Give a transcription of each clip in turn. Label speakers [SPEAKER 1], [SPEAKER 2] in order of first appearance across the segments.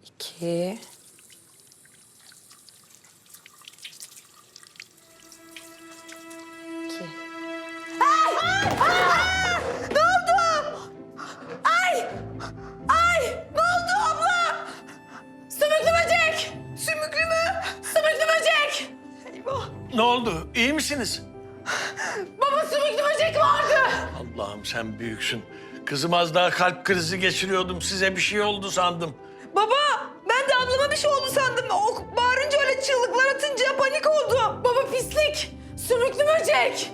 [SPEAKER 1] 2.
[SPEAKER 2] Ne oldu? Ay! Ay! Ne oldu abla? Sümüklü böcek! Sümüklü mü? Sümüklü böcek! Eyvah!
[SPEAKER 3] Ne oldu? İyi misiniz?
[SPEAKER 2] Baba sümüklü böcek vardı!
[SPEAKER 3] Allah'ım sen büyüksün. Kızım az daha kalp krizi geçiriyordum. Size bir şey oldu sandım.
[SPEAKER 2] Baba ben de ablama bir şey oldu sandım. O bağırınca öyle çığlıklar atınca panik oldum. Baba pislik! Sümüklü böcek!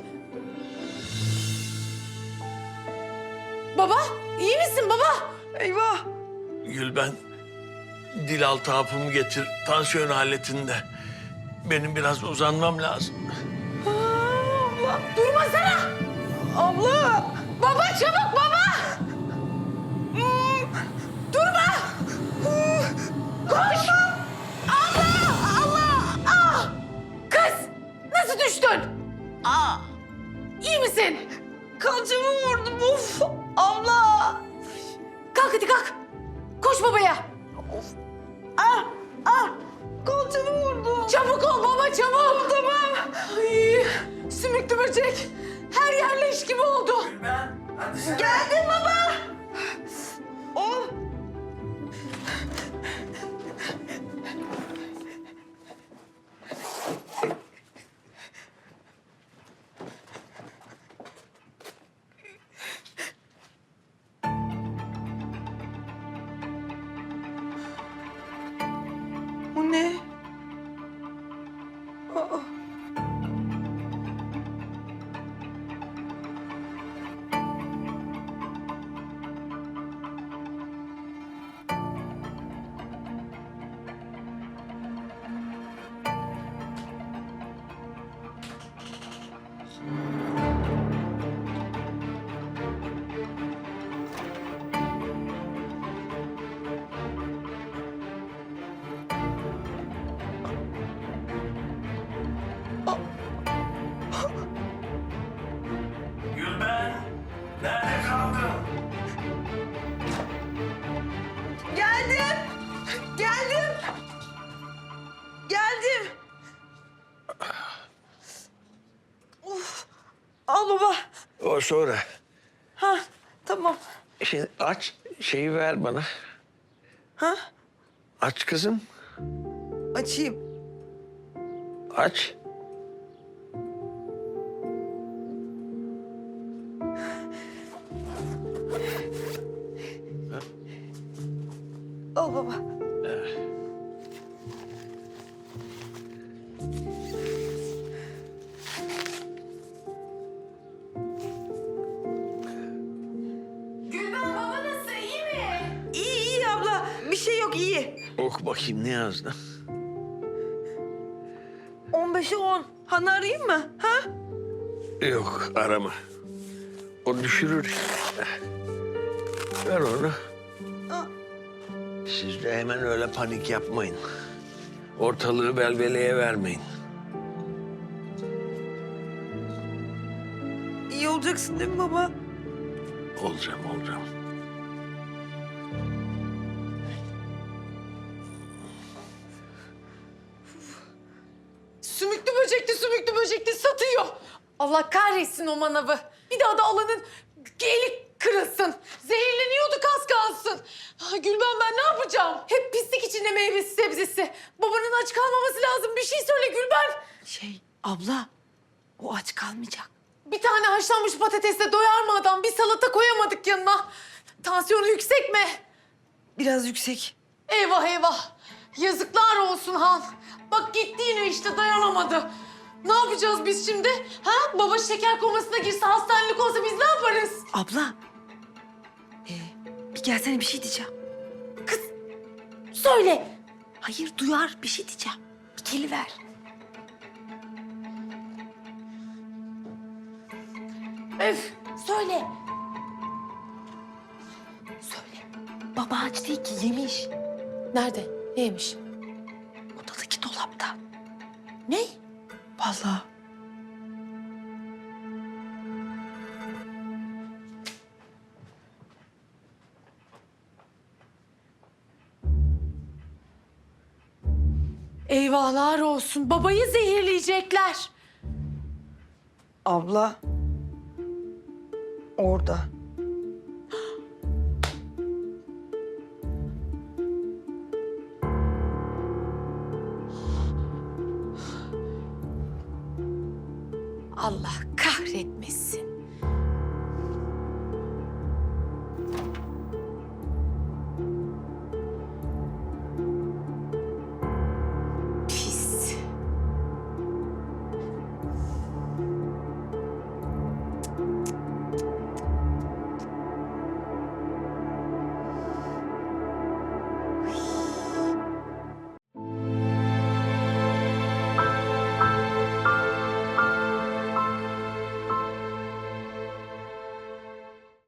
[SPEAKER 2] Baba iyi misin baba? Eyvah!
[SPEAKER 3] Gülben, dil altı hapımı getir. Tansiyon aletinde. Benim biraz uzanmam lazım.
[SPEAKER 2] Abla durmasana! Abla! Baba çabuk baba! Durma! Koş! Allah! Allah! Ah! Kız! Nasıl düştün? Aa! İyi misin? Kalçamı vurdum of! Abla! Kalk hadi kalk! Koş babaya! Of! Ah! Ah! Kalçamı vurdum. Çabuk ol baba çabuk! Tamam. Ay, sümüklü böcek. Her yer leş gibi oldu.
[SPEAKER 3] Gülben, hadi sen.
[SPEAKER 2] Geldim baba. Oh. Bu ne? Aa.
[SPEAKER 3] Gülben, nerede kaldın?
[SPEAKER 2] Geldim. Geldim. Geldim. Of. Al baba.
[SPEAKER 3] O sonra.
[SPEAKER 2] Ha, tamam.
[SPEAKER 3] Şimdi aç, şeyi ver bana.
[SPEAKER 2] Ha?
[SPEAKER 3] Aç kızım,
[SPEAKER 2] Açayım.
[SPEAKER 3] aç.
[SPEAKER 2] Al baba. Gülben baba nasıl? İyi mi? İyi iyi abla. Bir şey yok iyi.
[SPEAKER 3] Oku bakayım ne yazdı?
[SPEAKER 2] 15'e 10. Hanı arayayım mı? Ha?
[SPEAKER 3] Yok, arama. O düşürür. Ver onu.
[SPEAKER 2] Aa.
[SPEAKER 3] Siz de hemen öyle panik yapmayın. Ortalığı velveleye vermeyin.
[SPEAKER 2] İyi olacaksın değil mi baba?
[SPEAKER 3] Olacağım, olacağım.
[SPEAKER 2] Sümüklü böcekli satıyor. Allah kahretsin o manavı. Bir daha da alanın eli kırılsın. Zehirleniyordu az kalsın. Ah, Gülben ben ne yapacağım? Hep pislik içinde meyvesi sebzesi. Babanın aç kalmaması lazım. Bir şey söyle Gülben.
[SPEAKER 1] Abla, o aç kalmayacak.
[SPEAKER 2] Bir tane haşlanmış patatesle doyar mı adam? Bir salata koyamadık yanına. Tansiyonu yüksek mi?
[SPEAKER 1] Biraz yüksek.
[SPEAKER 2] Eyvah eyvah. Yazıklar olsun Han. Bak gitti yine işte dayanamadı. Ne yapacağız biz şimdi? Ha? Baba şeker komasına girse, hastanelik olsa biz ne yaparız?
[SPEAKER 1] Abla, bir gelsene bir şey diyeceğim.
[SPEAKER 2] Söyle.
[SPEAKER 1] Hayır, duyar bir şey diyeceğim. Bir geliver.
[SPEAKER 2] Öf. Söyle.
[SPEAKER 1] Söyle. Baba aç değil ki, yemiş.
[SPEAKER 2] Nerede? Neymiş?
[SPEAKER 1] Odadaki dolapta.
[SPEAKER 2] Ne?
[SPEAKER 1] Vallahi.
[SPEAKER 2] Eyvahlar olsun. Babayı zehirleyecekler.
[SPEAKER 1] Abla. Orada.
[SPEAKER 2] Allah kahretmesin.